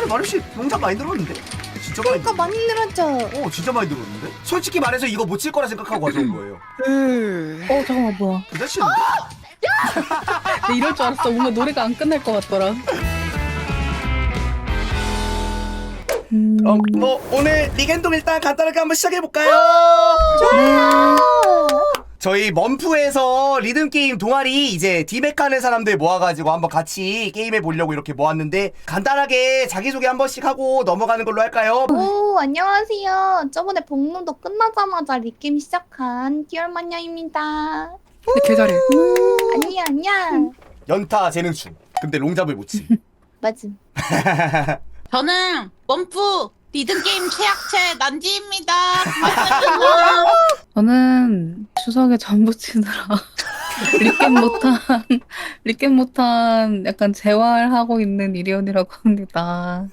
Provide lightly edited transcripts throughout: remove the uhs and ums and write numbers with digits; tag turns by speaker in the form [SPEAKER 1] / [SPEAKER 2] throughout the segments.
[SPEAKER 1] 마루씨 농장 많이 늘었는데? 진짜 많이
[SPEAKER 2] 그러니까 많이 늘었죠.
[SPEAKER 1] 진짜 많이 늘었는데? 솔직히 말해서 이거 못 칠 거라 생각하고 가져온 거예요.
[SPEAKER 3] 잠깐만 뭐야.
[SPEAKER 1] 괜찮시는데?
[SPEAKER 3] 나 이럴 줄 알았어. 뭔가 노래가 안 끝날 것 같더라.
[SPEAKER 1] 뭐 오늘 리겐동 일단 간단하게 한번 시작해볼까요? 저희 먼프에서 리듬게임 동아리 이제 디맥 하는 사람들 모아가지고 한번 같이 게임해보려고 이렇게 모았는데 간단하게 자기소개 한 번씩 하고 넘어가는 걸로 할까요?
[SPEAKER 2] 오, 안녕하세요. 저번에 복문도 끝나자마자 리게임 시작한 띠얼마녀입니다.
[SPEAKER 4] 근데 개 잘해.
[SPEAKER 2] 아니야.
[SPEAKER 1] 연타 재능충. 근데 롱잡을 못 치.
[SPEAKER 2] 맞음.
[SPEAKER 5] 저는 원프 리듬게임 최약체 난지입니다.
[SPEAKER 3] 저는 추석에 전부 치느라 리겜 못한 약간 재활하고 있는 이리온이라고 합니다.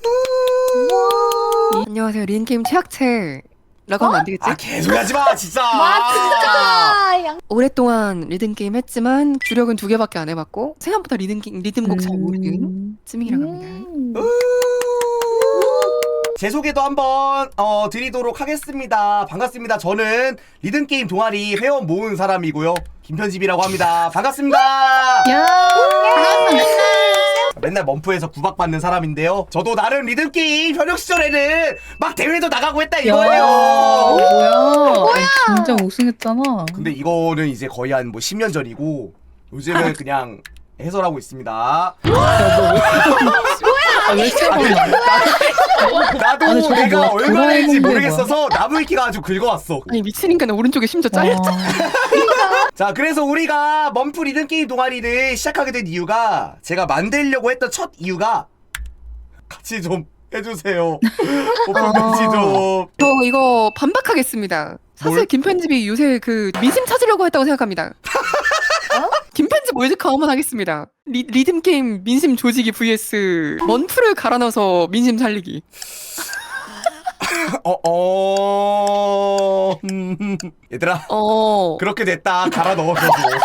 [SPEAKER 4] 안녕하세요. 리듬게임 최악체라고 하면 안 되겠지?
[SPEAKER 1] 아 계속 하지마 진짜.
[SPEAKER 2] 맞다.
[SPEAKER 4] 오랫동안 리듬게임 했지만 주력은 2개밖에 안 해봤고 생각보다 리듬곡 잘 모르는 찌밍이라고 합니다.
[SPEAKER 1] 제 소개도 한번 드리도록 하겠습니다. 반갑습니다. 저는 리듬게임 동아리 회원 모은 사람이고요. 김편집이라고 합니다. 반갑습니다.
[SPEAKER 3] 야!
[SPEAKER 1] 맨날 먼프에서 구박받는 사람인데요. 저도 나름 리듬게임 현역 시절에는 막 대회도 나가고 했다 이거예요.
[SPEAKER 3] 뭐야? 아니, 진짜 우승했잖아.
[SPEAKER 1] 근데 이거는 이제 거의 한 뭐 10년 전이고 요즘은 그냥 해설하고 있습니다.
[SPEAKER 3] 왜 세번이야?
[SPEAKER 1] 나도
[SPEAKER 3] 아니, 저거
[SPEAKER 1] 내가
[SPEAKER 3] 뭐야?
[SPEAKER 1] 얼마인지
[SPEAKER 3] 도라에몽
[SPEAKER 1] 모르겠어서 나무위키가 아주 긁어왔어.
[SPEAKER 4] 아니 미친 인간은 오른쪽에 심지어 잘렸잖아.
[SPEAKER 1] 자, 그래서 우리가 먼프 리듬게임 동아리를 시작하게 된 이유가 제가 만들려고 했던 첫 이유가 같이 좀 해주세요. 같이 좀.
[SPEAKER 4] 저 이거 반박하겠습니다. 사실
[SPEAKER 1] 뭘?
[SPEAKER 4] 김편집이 요새 그 민심 찾으려고 했다고 생각합니다. 김편집 월드컵 한번 하겠습니다. 리듬게임 민심 조지기 vs 먼프를 갈아 넣어서 민심 살리기.
[SPEAKER 1] 얘들아
[SPEAKER 4] 어.
[SPEAKER 1] 그렇게 됐다. 갈아 넣어서.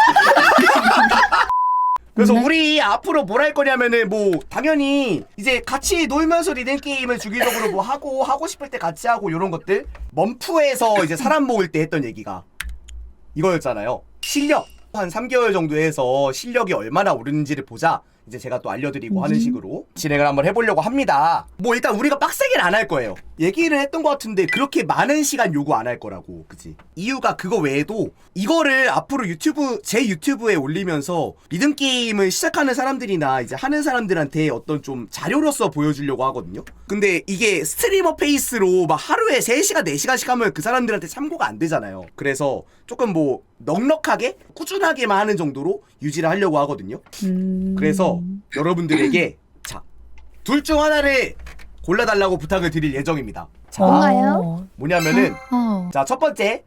[SPEAKER 1] 그래서 우리 앞으로 뭘 할 거냐면은 뭐 당연히 이제 같이 놀면서 리듬 게임을 주기적으로 뭐 하고 싶을 때 같이 하고 요런 것들. 먼프에서 이제 사람 모을 때 했던 얘기가 이거였잖아요. 실력 한 3개월 정도 해서 실력이 얼마나 오르는지를 보자. 이제 제가 또 알려드리고 하는 식으로 진행을 한번 해보려고 합니다. 뭐 일단 우리가 빡세게는 안 할 거예요. 얘기를 했던 것 같은데 그렇게 많은 시간 요구 안 할 거라고. 그치? 이유가 그거 외에도 이거를 앞으로 제 유튜브에 올리면서 리듬게임을 시작하는 사람들이나 이제 하는 사람들한테 어떤 좀 자료로서 보여주려고 하거든요. 근데 이게 스트리머 페이스로 막 하루에 3시간 4시간씩 하면 그 사람들한테 참고가 안 되잖아요. 그래서 조금 뭐 넉넉하게 꾸준하게만 하는 정도로 유지를 하려고 하거든요. 그래서 여러분들에게 자, 둘 중 하나를 골라달라고 부탁을 드릴 예정입니다. 자,
[SPEAKER 2] 뭔가요?
[SPEAKER 1] 뭐냐면은 자, 첫 번째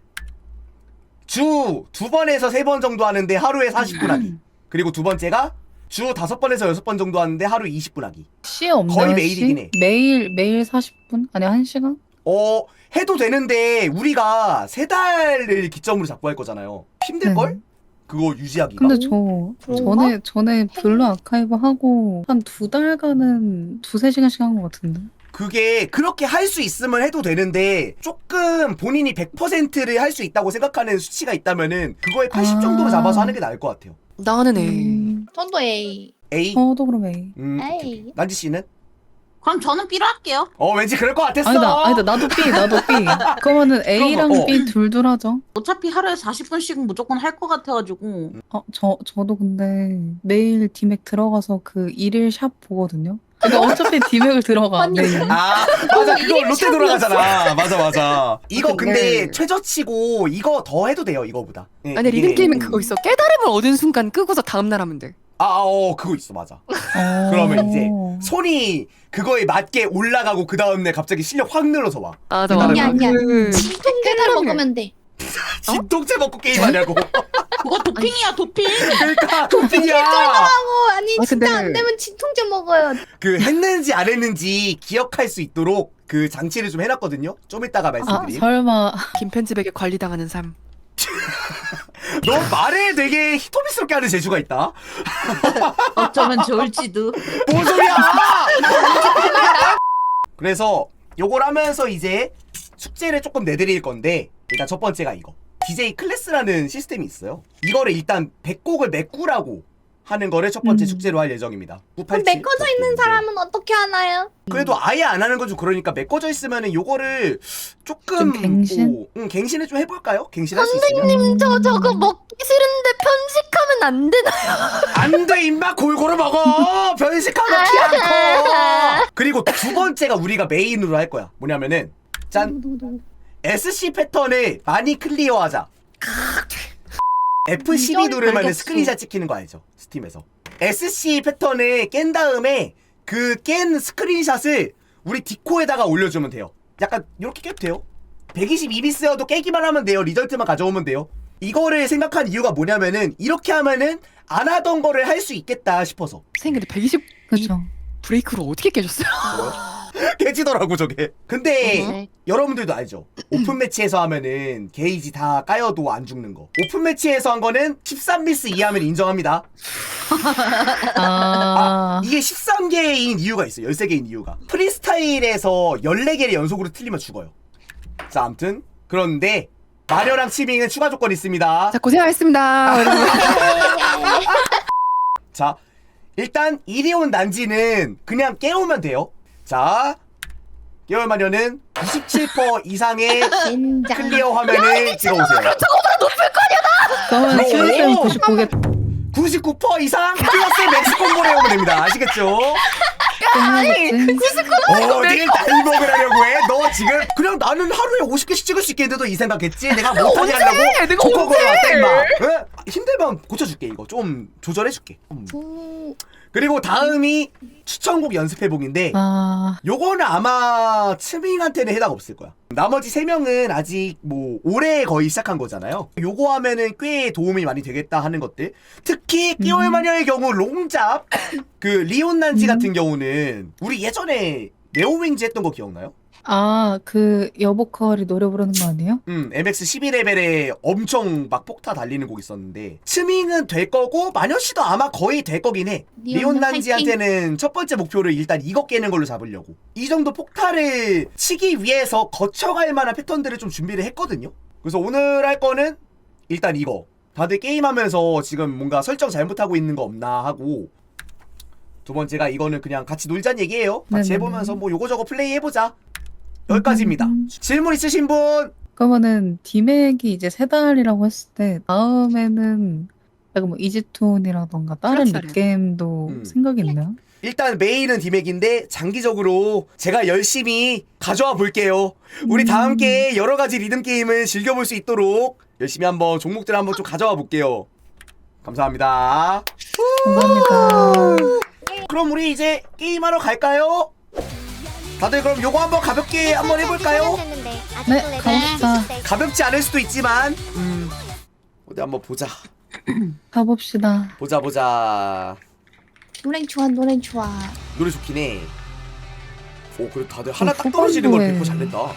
[SPEAKER 1] 주 2번에서 3번 정도 하는데 하루에 40분 하기. 그리고 두 번째가 주 5번에서 6번 정도 하는데 하루 20분 하기.
[SPEAKER 3] 시 없나요?
[SPEAKER 1] 거의 매일이긴 해.
[SPEAKER 3] 매일 40분? 아니 1시간?
[SPEAKER 1] 해도 되는데 우리가 3달을 기점으로 잡고 할 거잖아요. 힘들걸? 그거 유지하기가.
[SPEAKER 3] 근데
[SPEAKER 2] 그런가?
[SPEAKER 3] 전에 블루 아카이브 하고 한 2달간은 2-3시간씩 한 것 같은데.
[SPEAKER 1] 그게 그렇게 할 수 있으면 해도 되는데 조금 본인이 100%를 할 수 있다고 생각하는 수치가 있다면은 그거에 80 정도로 잡아서 하는 게 나을 것 같아요.
[SPEAKER 4] 나는 애.
[SPEAKER 2] 저도 A.
[SPEAKER 1] A?
[SPEAKER 3] 저도 그럼 A.
[SPEAKER 2] A.
[SPEAKER 1] 난지 씨는?
[SPEAKER 5] 그럼 저는 B로 할게요.
[SPEAKER 1] 왠지 그럴 것 같았어.
[SPEAKER 3] 아니다 나도 B. 그러면은 A랑
[SPEAKER 1] 그럼,
[SPEAKER 3] B 둘 하죠.
[SPEAKER 5] 어차피 하루에 40분씩은 무조건 할 것 같아가지고.
[SPEAKER 3] 저도 근데 매일 디맥 들어가서 그 일일 샵 보거든요. 그러니까 어차피 디맥을 들어가.
[SPEAKER 2] 아니,
[SPEAKER 3] 매일.
[SPEAKER 1] 맞아. 그거 롯데 돌아가잖아. 맞아. 이거 근데
[SPEAKER 4] 근데
[SPEAKER 1] 최저치고 이거 더 해도 돼요, 이거보다. 네,
[SPEAKER 4] 아니
[SPEAKER 1] 이게-
[SPEAKER 4] 리듬게임은 그거 있어. 깨달음을 얻은 순간 끄고서 다음날 하면 돼.
[SPEAKER 1] 그거 있어, 맞아. 그러면 이제 손이 그거에 맞게 올라가고 그 다음날 갑자기 실력 확 늘어서 와.
[SPEAKER 4] 맞아.
[SPEAKER 2] 아니야.
[SPEAKER 4] 그
[SPEAKER 2] 진통제를 먹으면 돼.
[SPEAKER 1] 진통제 먹고 게임하냐고.
[SPEAKER 5] 그거 도핑이야 도핑.
[SPEAKER 1] 그러니까 도핑이야.
[SPEAKER 2] 아니
[SPEAKER 4] 아,
[SPEAKER 2] 진짜
[SPEAKER 4] 근데-
[SPEAKER 2] 안 되면 진통제 먹어요.
[SPEAKER 1] 그 했는지 안 했는지 기억할 수 있도록 그 장치를 좀 해놨거든요. 좀 이따가 말씀드림.
[SPEAKER 3] 설마.
[SPEAKER 4] 김편집에게 관리당하는 삶.
[SPEAKER 1] 너 말에 되게 히토미스럽게 하는 재주가 있다.
[SPEAKER 5] 어쩌면 좋을지도.
[SPEAKER 1] 뭔 소리야? 그래서 요걸 하면서 이제 숙제를 조금 내드릴 건데 일단 첫 번째가 이거 DJ 클래스라는 시스템이 있어요. 이거를 일단 100곡을 메꾸라고 하는 거를 첫 번째 숙제로 할 예정입니다.
[SPEAKER 2] 그럼 메꿔져 있는 사람은 어떻게 하나요?
[SPEAKER 1] 그래도 아예 안 하는 건 좀 그러니까 메꿔져 있으면은 요거를 조금
[SPEAKER 3] 좀 갱신?
[SPEAKER 1] 뭐, 갱신을 좀 해볼까요? 갱신할 수 있으면?
[SPEAKER 2] 선생님 저거 먹기 싫은데 편식하면 안 되나요?
[SPEAKER 1] 안돼 임마 골고루 먹어 변식하면 키 안 커. 그리고 두 번째가 우리가 메인으로 할 거야. 뭐냐면은 짠 SC 패턴을 많이 클리어하자. F12 누르면
[SPEAKER 2] 알겠어.
[SPEAKER 1] 스크린샷 찍히는 거 알죠? 스팀에서 SC 패턴을 깬 다음에 그 깬 스크린샷을 우리 디코에다가 올려주면 돼요. 약간 이렇게 깨도 돼요. 122비스여도 깨기만 하면 돼요. 리절트만 가져오면 돼요. 이거를 생각한 이유가 뭐냐면은 이렇게 하면은 안 하던 거를 할 수 있겠다 싶어서.
[SPEAKER 4] 선생님 근데 120
[SPEAKER 3] 그죠.
[SPEAKER 4] 브레이크로 어떻게 깨졌어요?
[SPEAKER 1] 깨지더라고 저게. 근데
[SPEAKER 2] 네.
[SPEAKER 1] 여러분들도 알죠? 오픈 매치에서 하면은 게이지 다 까여도 안 죽는 거. 오픈 매치에서 한 거는 13미스 이하면 인정합니다. 이게 13개인 이유가 있어요. 13개인 이유가. 프리스타일에서 14개를 연속으로 틀리면 죽어요. 자, 아무튼 그런데 마녀랑 치밍은 추가 조건이 있습니다.
[SPEAKER 4] 자 고생하셨습니다. 여러분.
[SPEAKER 1] 자, 일단 이리온 난지는 그냥 깨우면 돼요. 자, 깨울 마녀는 97% 이상의
[SPEAKER 2] 젠장.
[SPEAKER 1] 클리어 화면을 찍어오세요.
[SPEAKER 3] 그러면 시간쌤 99개
[SPEAKER 1] 99% 이상 플러스 맥스 콤보를 해오면 됩니다. 아시겠죠? 어딜 날 먹으라려고 해? 너 지금 그냥 나는 하루에 50개씩 찍을 수 있겠는데도 이 생각했지? 내가 못하게 하려고?
[SPEAKER 4] 내가
[SPEAKER 1] 조커
[SPEAKER 4] 언제?
[SPEAKER 1] 걸어왔다 임마. 응? 힘들면 고쳐줄게. 이거 좀 조절해줄게. 그리고 다음이 추천곡 연습해보기인데 요거는 아마 치밍한테는 해당 없을 거야. 나머지 3명은 아직 뭐 올해 거의 시작한 거잖아요. 요거 하면은 꽤 도움이 많이 되겠다 하는 것들. 특히 끼올 마녀의 경우 롱잡 그 리온 난지 같은 경우는 우리 예전에 네오윙즈 했던 거 기억나요?
[SPEAKER 3] 그 여보컬이 노래 부르는 거 아니에요?
[SPEAKER 1] MX 12레벨에 엄청 막 폭타 달리는 곡 있었는데 스밍은 될 거고 마녀씨도 아마 거의 될 거긴 해. 리온 난지한테는 첫 번째 목표를 일단 이거 깨는 걸로 잡으려고. 이 정도 폭타를 치기 위해서 거쳐갈 만한 패턴들을 좀 준비를 했거든요. 그래서 오늘 할 거는 일단 이거. 다들 게임하면서 지금 뭔가 설정 잘못하고 있는 거 없나 하고, 두 번째가 이거는 그냥 같이 놀자는 얘기예요. 같이
[SPEAKER 3] 네네네.
[SPEAKER 1] 해보면서 뭐 요거저거 플레이 해보자. 여기까지입니다. 질문 있으신 분?
[SPEAKER 3] 그러면은 디맥이 이제 3달이라고 했을 때 다음에는 약간 뭐 이지톤이라던가 다른
[SPEAKER 4] 그렇죠.
[SPEAKER 3] 립게임도 생각이 있나요?
[SPEAKER 1] 일단 메인은 디맥인데 장기적으로 제가 열심히 가져와 볼게요. 우리 다 함께 여러 가지 리듬 게임을 즐겨볼 수 있도록 열심히 한번 종목들 한번 좀 가져와 볼게요. 감사합니다.
[SPEAKER 3] 감사합니다.
[SPEAKER 1] 그럼 우리 이제 게임하러 갈까요? 다들 그럼 요거 한번 가볍게 한번 해볼까요?
[SPEAKER 3] 네, 가봅시다.
[SPEAKER 1] 가볍지 않을 수도 있지만 어디 한번 보자.
[SPEAKER 3] 가봅시다.
[SPEAKER 1] 보자.
[SPEAKER 2] 노래 좋아 노래 좋아.
[SPEAKER 1] 노래 좋긴 해. 오, 그래 다들 하나 딱 떨어지는 걸
[SPEAKER 3] 후반부에.
[SPEAKER 1] 100% 잘 냈다.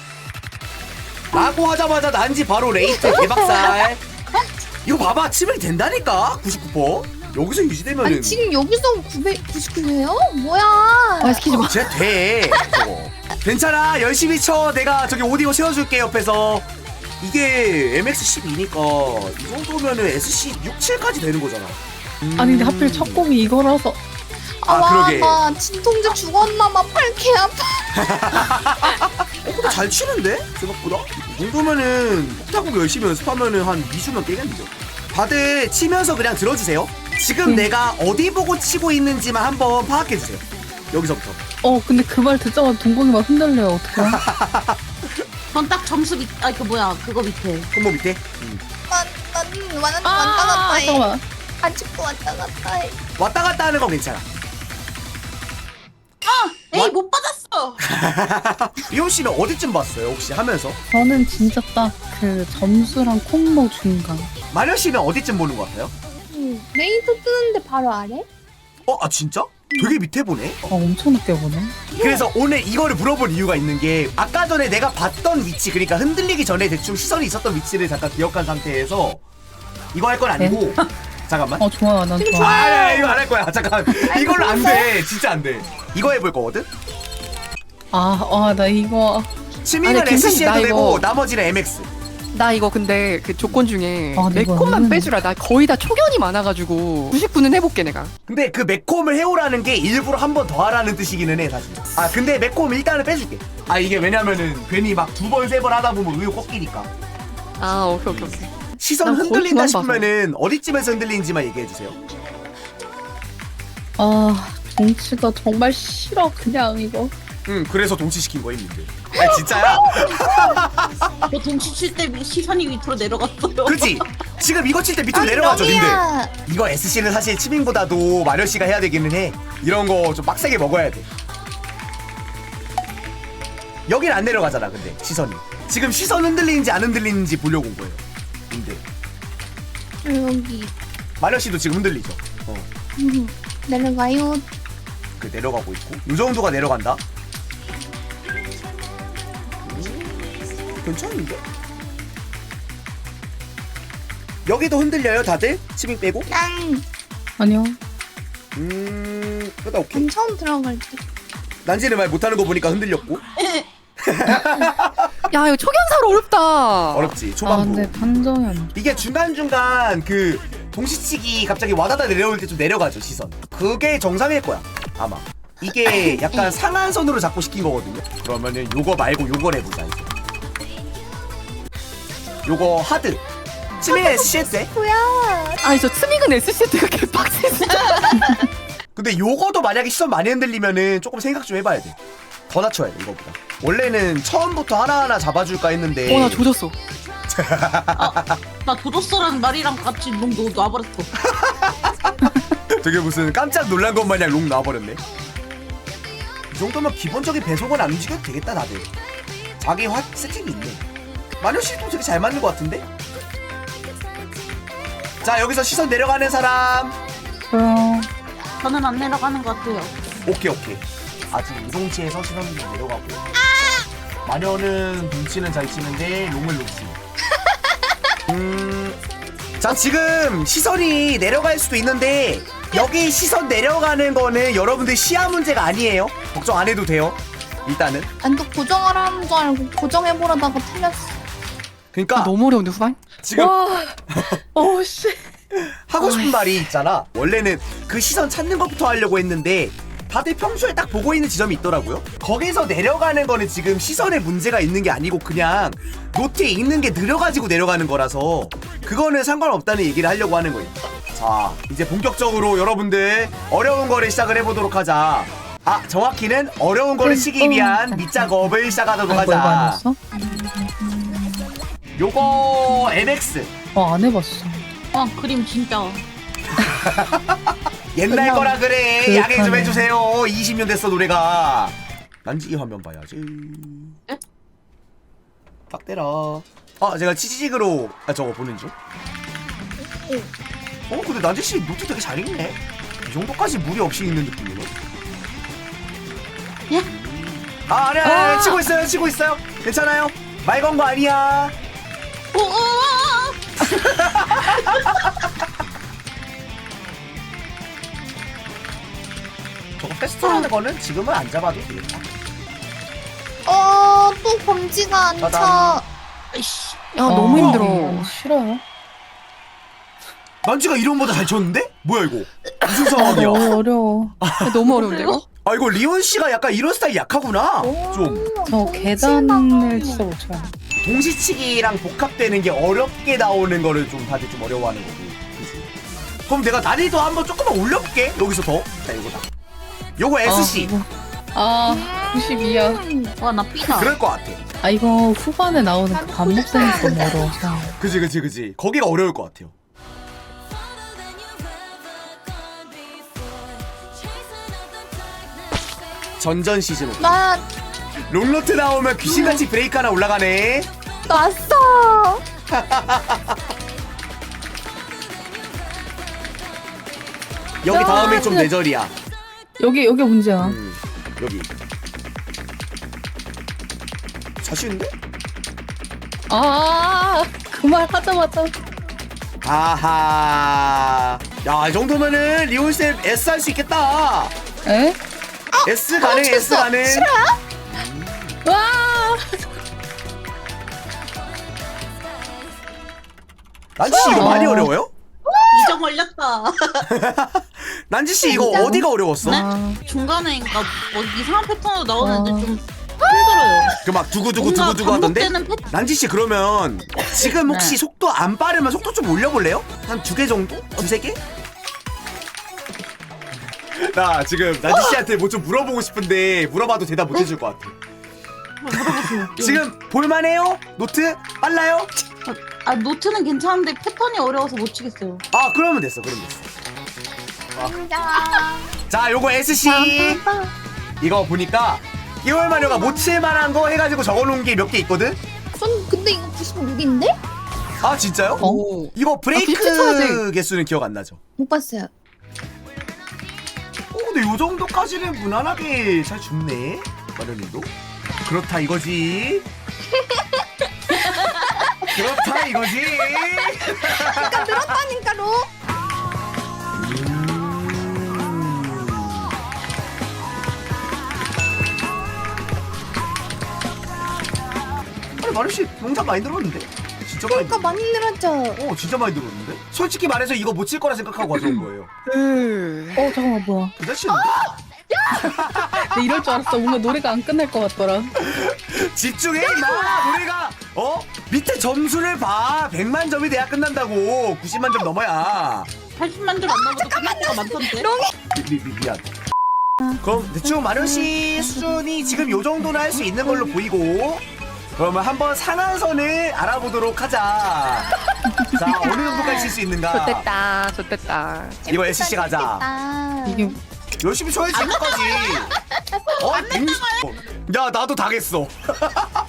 [SPEAKER 1] 라고 하자마자 난지 바로 레이트 개박살. 이거 봐봐, 치명이 된다니까. 99%. 여기서 유지되면은
[SPEAKER 2] 아니 지금 여기서 999예요? 뭐야?
[SPEAKER 4] 시키지 마.
[SPEAKER 1] 쟤 돼. 저거. 괜찮아, 열심히 쳐. 내가 저기 오디오 세워줄게 옆에서. 이게 MX12니까 이 정도면은 SC 6, 7까지 되는 거잖아.
[SPEAKER 3] 아니 근데 하필 첫 곡이 이거라서
[SPEAKER 1] 그러게.
[SPEAKER 2] 나 진통제 죽었나 봐. 팔 개 아파.
[SPEAKER 1] 근데 잘 치는데? 생각보다? 이 정도면은 폭타곡 열심히 연습하면은 한 2주면 깨겠는데? 다들 치면서 그냥 들어주세요. 지금 내가 어디 보고 치고 있는지만 한번 파악해주세요. 여기서부터.
[SPEAKER 3] 근데 그 말 듣자마자 동공이 막 흔들려요. 어떡해?
[SPEAKER 5] 전 딱 점수 밑, 그거 밑에.
[SPEAKER 1] 콤보 밑에.
[SPEAKER 2] 난 왔다 갔다 해.
[SPEAKER 3] 잠깐만.
[SPEAKER 2] 아직도 왔다 갔다 해.
[SPEAKER 1] 왔다 갔다 하는 건 괜찮아.
[SPEAKER 5] 에이, 못 받았어!
[SPEAKER 1] 리온 씨는 어디쯤 봤어요, 혹시 하면서?
[SPEAKER 3] 저는 진짜 딱 그 점수랑 콤보 중간.
[SPEAKER 1] 마녀 씨는 어디쯤 보는 것 같아요?
[SPEAKER 2] 메이트 뜨는데 바로 아래?
[SPEAKER 1] 진짜? 되게 밑에 보네?
[SPEAKER 3] 엄청 늦게 보네.
[SPEAKER 1] 그래서 오늘 이거를 물어볼 이유가 있는 게, 아까 전에 내가 봤던 위치, 그러니까 흔들리기 전에 대충 시선이 있었던 위치를 잠깐 기억한 상태에서 이거 할 건 아니고 잠깐만.
[SPEAKER 3] 좋아. 난 좋아.
[SPEAKER 1] 이거 안 할 거야. 잠깐. 이걸로 안 돼. 진짜 안 돼. 이거 해볼 거거든?
[SPEAKER 3] 나 이거.
[SPEAKER 1] 치밍은
[SPEAKER 4] 아니, 김선희,
[SPEAKER 1] SC해도
[SPEAKER 4] 나
[SPEAKER 1] 되고
[SPEAKER 4] 이거-
[SPEAKER 1] 나머지는 MX.
[SPEAKER 4] 나 이거 근데 그 조건 중에
[SPEAKER 3] 아, 근데 이거
[SPEAKER 4] 매콤만
[SPEAKER 3] 은근-
[SPEAKER 4] 빼주라. 나 거의 다 초견이 많아가지고 99는 해볼게 내가.
[SPEAKER 1] 근데 그 매콤을 해오라는 게 일부러 한 번 더 하라는 뜻이기는 해 사실. 아 근데 매콤 일단은 빼줄게. 아 이게 왜냐면은 괜히 막 두 번 세 번 하다 보면 의욕 꺾이니까.
[SPEAKER 4] 아 오케이.
[SPEAKER 1] 시선
[SPEAKER 4] 난 거의
[SPEAKER 1] 흔들린다
[SPEAKER 4] 그만 봐서.
[SPEAKER 1] 싶으면은 어디쯤에서 흔들리는지만 얘기해 주세요.
[SPEAKER 3] 동치가 정말 싫어, 그냥 이거.
[SPEAKER 1] 그래서 동치시킨 거임 님들. 아 진짜야?
[SPEAKER 5] 저 동치 칠 때 시선이 밑으로 내려갔어요.
[SPEAKER 1] 그치? 지금 이거 칠 때 밑으로 내려가죠 님들. 이거 SC는 사실 치밍보다도 마려 씨가 해야 되기는 해. 이런 거 좀 빡세게 먹어야 돼. 여긴 안 내려가잖아 근데 시선이. 지금 시선 흔들리는지 안 흔들리는지 보려고 온 거예요. 근데
[SPEAKER 2] 여기
[SPEAKER 1] 마려 씨도 지금 흔들리죠.
[SPEAKER 2] 내려가요.
[SPEAKER 1] 그 내려가고 있고 이 정도가 내려간다. 괜찮은데? 여기도 흔들려요 다들? 치밍 빼고?
[SPEAKER 2] 난
[SPEAKER 3] 아니요.
[SPEAKER 1] 그러다 오케이.
[SPEAKER 2] 처음 들어갈 때.
[SPEAKER 1] 난지는 말 못하는 거 보니까 흔들렸고.
[SPEAKER 4] 야 이거 초견사로 어렵다.
[SPEAKER 1] 어렵지 초반부.
[SPEAKER 3] 근데 판정이 안 좋아.
[SPEAKER 1] 이게 중간중간 그 동시치기 갑자기 와다다 내려올 때 좀 내려가죠 시선. 그게 정상일 거야 아마. 이게 약간 상한선으로 자꾸 시킨 거거든요. 그러면은 요거 말고 요걸 해보자 이제. 요거 하드. 치밍 SC 때.
[SPEAKER 2] 뭐야?
[SPEAKER 4] 아니 저 스믹은 SCT가 개빡세 진짜.
[SPEAKER 1] 근데 요거도 만약에 시선 많이 흔들리면은 조금 생각 좀 해봐야 돼. 더 낮춰야 돼 이거보다. 원래는 처음부터 하나하나 잡아줄까 했는데
[SPEAKER 4] 나 조졌어.
[SPEAKER 5] 나 도졌어라는 말이랑 같이 롱 놔버렸어.
[SPEAKER 1] 되게 무슨 깜짝 놀란 것 마냥 롱 나와버렸네. 이 정도면 기본적인 배속은 안 움직여도 되겠다 다들. 자기 세팅이 있네. 마녀씨도 되게 잘 맞는 것 같은데? 자 여기서 시선 내려가는 사람.
[SPEAKER 3] 저요.
[SPEAKER 5] 저는 안 내려가는 것 같아요.
[SPEAKER 1] 오케이. 아직 우동치에서 시선 내려가고 마녀는 눈치는 잘 치는데 롱을 놓지. 자 지금 시선이 내려갈 수도 있는데 여기 시선 내려가는 거는 여러분들 시야 문제가 아니에요. 걱정 안 해도 돼요. 일단은
[SPEAKER 2] 난 또 고정하라는 줄 알고 고정해보려다가 틀렸어.
[SPEAKER 1] 그러니까
[SPEAKER 4] 너무 어려운데 후반?
[SPEAKER 1] 지금
[SPEAKER 3] 씨.
[SPEAKER 1] 하고 싶은 말이 있잖아. 원래는 그 시선 찾는 것부터 하려고 했는데 다들 평소에 딱 보고 있는 지점이 있더라고요. 거기서 내려가는 거는 지금 시선에 문제가 있는 게 아니고 그냥 노트에 있는 게 느려가지고 내려가는 거라서 그거는 상관없다는 얘기를 하려고 하는 거예요. 자 이제 본격적으로 여러분들 어려운 거를 시작을 해보도록 하자. 정확히는 어려운 거를 치기 위한 밑작업을 시작하도록
[SPEAKER 3] 이거 안
[SPEAKER 1] 하자.
[SPEAKER 3] 했어?
[SPEAKER 1] 요거 MX
[SPEAKER 3] 안 해봤어.
[SPEAKER 5] 그림 진짜.
[SPEAKER 1] 옛날
[SPEAKER 3] 그냥
[SPEAKER 1] 거라 그래.
[SPEAKER 3] 그렇다네.
[SPEAKER 1] 양해 좀 해주세요. 20년 됐어 노래가. 난지 이 화면 봐야지.
[SPEAKER 5] 에?
[SPEAKER 1] 딱 때라. 제가 치지직으로 저거 보는 중. 근데 난지씨 노트 되게 잘 읽네. 이 정도까지 무리 없이 읽는 느낌이네.
[SPEAKER 5] 예?
[SPEAKER 1] 아니야 치고 있어요. 괜찮아요. 말 건 거 아니야. 저거 패스트라는 거는 지금은 안 잡아도 되겠다.
[SPEAKER 2] 또 검지가 안 차.
[SPEAKER 1] 짜잔.
[SPEAKER 5] 아이씨.
[SPEAKER 4] 야 너무 힘들어.
[SPEAKER 3] 싫어요.
[SPEAKER 1] 난지가 이런보다 잘 쳤는데? 뭐야 이거? 무슨 상황이야?
[SPEAKER 3] 너무 어려워.
[SPEAKER 4] 너무 어려운데 이거?
[SPEAKER 1] 이거 리온 씨가 약간 이런 스타일 약하구나. 좀
[SPEAKER 3] 저 계단을 진짜 못 쳐요.
[SPEAKER 1] 동시치기랑 복합되는 게 어렵게 나오는 거를 좀 다들 좀 어려워하는 거고. 그치? 그럼 내가 난이도 한번 조금만 올려볼게. 여기서 더. 자 이거다. 요거 SC.
[SPEAKER 3] 92야.
[SPEAKER 5] 와, 나 삐다.
[SPEAKER 1] 그럴 것 같아.
[SPEAKER 3] 이거 후반에 나오는 그 반복성이 너무 어려워서.
[SPEAKER 1] 그지. 거기가 어려울 것 같아요. 전전 시즌 5.
[SPEAKER 2] 나
[SPEAKER 1] 롱로트 나오면 귀신같이 브레이크 하나 올라가네.
[SPEAKER 2] 났어.
[SPEAKER 1] 여기 다음에 좀 내절이야.
[SPEAKER 3] 여기 문제야.
[SPEAKER 1] 여기. 자신인데?
[SPEAKER 3] 그 말 하자마자.
[SPEAKER 1] 아하. 야, 이 정도면은 리온쌤 S 할 수 있겠다.
[SPEAKER 3] 에?
[SPEAKER 1] S 가능, S 가능. 난지 씨 이거 많이 어려워요?
[SPEAKER 5] 이정 걸렸다.
[SPEAKER 1] 난지 씨 이거
[SPEAKER 2] 진짜로?
[SPEAKER 1] 어디가 어려웠어?
[SPEAKER 5] 네?
[SPEAKER 3] 아,
[SPEAKER 5] 중간에 그러니까 뭐 이상한 패턴으로 나오는데 좀 힘들어요.
[SPEAKER 1] 그 막 두구두구
[SPEAKER 5] 뭔가
[SPEAKER 1] 두구두구 하던데?
[SPEAKER 5] 반복되는 패턴.
[SPEAKER 1] 난지 씨 그러면 지금 혹시
[SPEAKER 5] 네.
[SPEAKER 1] 속도 안 빠르면 속도 좀 올려볼래요? 한 2개 정도? 2-3개? 나 지금 난지 씨한테 뭐 좀 물어보고 싶은데 물어봐도 대답 못 해줄 것 같아. 지금 볼만해요? 노트? 빨라요?
[SPEAKER 5] 아 노트는 괜찮은데 패턴이 어려워서 못 치겠어요.
[SPEAKER 1] 아 그러면 됐어 그러면 됐어.
[SPEAKER 2] 인정.
[SPEAKER 1] 자 요거 SC 이거 보니까 끼월 마녀가 못 칠만한 거 해가지고 적어놓은 게 몇 개 있거든?
[SPEAKER 2] 전 근데 이거 96인데?
[SPEAKER 1] 아 진짜요?
[SPEAKER 4] 오.
[SPEAKER 1] 이거 브레이크
[SPEAKER 4] 비슷하지?
[SPEAKER 1] 개수는 기억 안 나죠?
[SPEAKER 2] 못 봤어요.
[SPEAKER 1] 근데 요 정도까지는 무난하게 잘 줍네 마녀님도. 그렇다 이거지. 그렇다 이거지.
[SPEAKER 2] 그러니까 늘었다니까로.
[SPEAKER 1] 아니 마녀씨 농사 많이 늘었는데? 진짜 많이
[SPEAKER 2] 그러니까 많이 늘었죠.
[SPEAKER 1] 진짜 많이 늘었는데? 솔직히 말해서 이거 못 칠 거라 생각하고 가져온 거예요.
[SPEAKER 3] 잠깐만 뭐야.
[SPEAKER 1] 괜찮지는데?
[SPEAKER 3] 나 이럴 줄 알았어. 뭔가 노래가 안 끝날 것 같더라.
[SPEAKER 1] 집중해 임마. 노래가 밑에 점수를 봐. 100만 점이 돼야 끝난다고. 90만 점 넘어야.
[SPEAKER 5] 80만 줄 안 나오도 끝나가 많던데.
[SPEAKER 1] 미안. 그럼 대충 마녀씨 수준이 지금 요 정도는 할 수 있는 걸로 보이고, 그러면 한번 상한선을 알아보도록 하자. 자 어느 정도까지 칠 수 있는가.
[SPEAKER 4] 좋됐다. 좋됐다.
[SPEAKER 1] 이거 SC 가자.
[SPEAKER 2] 아,
[SPEAKER 3] 이게
[SPEAKER 1] 열심히 쳐야지 끝까지. 야 나도 당했어.